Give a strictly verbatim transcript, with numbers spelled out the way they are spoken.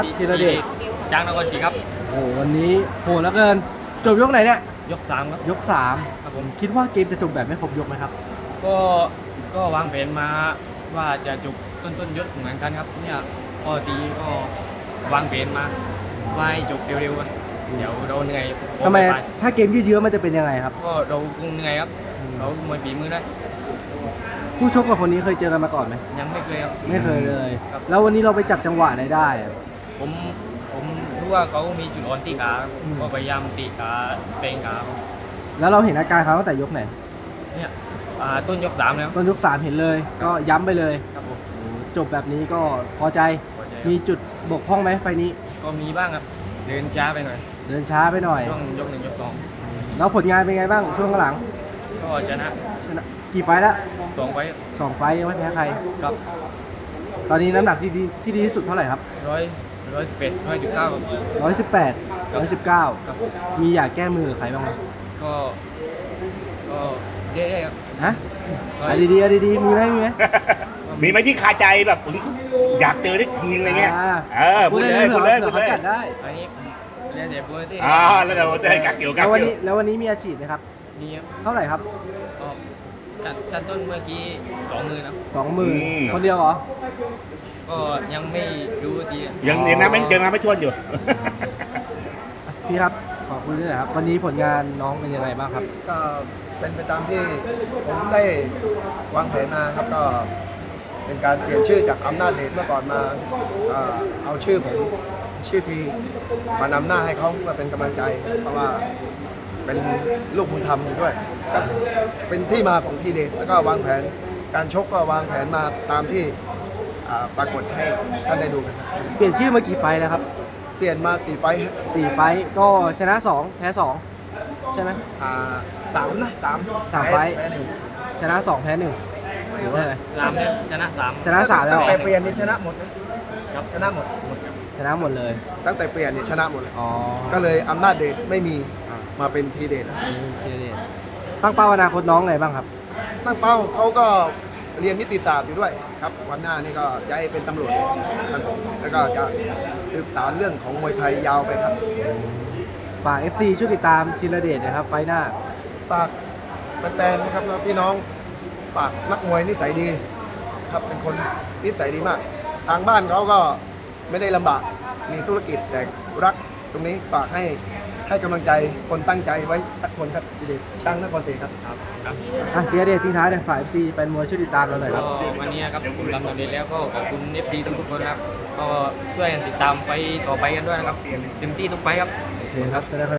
ธีรเดชจ้างนครศรีครับโอ้โหวันนี้โหดแล้วเกินจบยกไหนเนี่ยยกสามครับยกสามครับผมคิดว่าเกมจะจบแบบไม่ครบยกไหมครับก็ก็วางแผนมาว่าจะจบต้นต้นยกเหมือนกันครับเนี่ยพอดีก็วางแผนมาว่าให้จบเร็วๆกันเดี๋ยวเราเหนื่อยทำไมถ้าเกมยืดเยื้อมันจะเป็นยังไงครับก็เราคงเหนื่อยครับเรามวยฝีมือได้ผู้ชกกับคนนี้เคยเจอกันมาก่อนไหมยังไม่เคยครับไม่เคยเลยแล้ววันนี้เราไปจับจังหวะไหนได้ผมผมรู้ว่าเขามีจุดอ่อนที่ขาก็พยายามตีขาเตงขาแล้วเราเห็นอาการเขาตั้งแต่ยกไหนเนี่ยต้นยกสามแล้วต้นยกสามเห็นเลยก็ย้ำไปเลยครับผมจบแบบนี้ก็พอใจมีจุดบกพร่องไหมไฟนี้ก็มีบ้างครับเดินช้าไปหน่อยเดินช้าไปหน่อยช่วงยกหนึ่งยกสองแล้วผลงานเป็นไงบ้างช่วงหลังก็ชนะชนะกี่ไฟแล้วสองไฟสองไฟยังไม่แพ้ใครครับตอนนี้น้ำหนักที่ดีที่ดีที่สุดเท่าไหร่ครับร้อยร้อยสิบแปดร้อยสิบเก้าร้อยสิบแปดร้อยสิบเก้าครับมีอยากแก้มือใครบ้างไหมก็ก็เยอะๆครับฮะอะดีๆอะดีๆมีไหมมีไหมมีไหมที่คาใจแบบอยากเจอได้ทีอะไรเงี้ยเออพูดเลยพูดเลยพูดเลยจัดได้อันนี้เรียนเด็กบัวที่อ่าแล้วเดี๋ยวจะให้กักเกี่ยวกักแล้ววันนี้แล้ววันนี้มีอาชีพไหมครับมีครับเท่าไหร่ครับก็จัดจัดต้นเมื่อกี้สองหมื่นนะสองหมื่นคนเดียวเหรอก็ยังไม่รู้ทียังยังนับไม่ยังนับไม่ทวนอยู่พี่ครับขอบคุณด้วยนะครับวันนี้ผลงานน้องเป็นยังไงบ้างครับก็เป็นไปตามที่ผมได้วางแผนมาครับก็เป็นการเปลี่ยนชื่อจากอำนาจเดชเมื่อก่อนมาเอาชื่อผมชื่อทีมานำหน้าให้เขาเพื่อเป็นกำลังใจเพราะว่าเป็นลูกบุญธรรมอยู่ด้วยก็เป็นที่มาของทีเดชแล้วก็วางแผนการชกก็วางแผนมาตามที่ปรากฏให้ท่านได้ดูกันเปลี่ยนชื่อมากี่ไฟแล้วครับเปลี่ยนมาสี่ไฟสี่ไฟก็ชนะสองแพ้สองใช่ไหมอ่าสามนะสามสามไฟชนะสองแพ้หนึ่งหรือว่าอะไรสามเนี่ยชนะสามชนะสามแล้วแต่เปลี่ยนนี่ชนะหมดนะครับชนะหมดชนะหมดเลยตั้งแต่เปลี่ยนนี่ชนะหมดเลยอ๋อก็เลยอำนาจเดชไม่มีมาเป็นทีเดชทีเดชตั้งเป้าอนาคตน้องไงบ้างครับตั้งเป้าเขาก็เรียนนิติศาสตร์อยู่ด้วยครับวันหน้านี่ก็จะให้เป็นตำรวจครับแล้วก็จะศึกษาเรื่องของมวยไทยยาวไปครับฝาก เอฟ ซี ช่วยติดตามธีรเดชนะครับไฟหน้าฝากแฟนๆนะครับพี่น้องฝากนักมวยนิสัยดีครับเป็นคนนิสัยดีมากทางบ้านเขาก็ไม่ได้ลำบากมีธุรกิจแต่รักตรงนี้ฝากให้ให้กำลังใจคนตั้งใจไว้สักคนครับธีรเดชช่างนครศรีครับครับครับอ่ะธีรเดชทิ้งท้ายเลยฝ่าย เอฟ ซี เป็นมวยช่วยติดตามเราหน่อยครับวันนี้ครับผมทำสำเร็จแล้วก็ขอบคุณ เอฟ ซี ทุกคนครับก็ช่วยกันติดตามไปต่อไปกันด้วยนะครับเต็มที่ทุกไปครับโอเคครับจะได้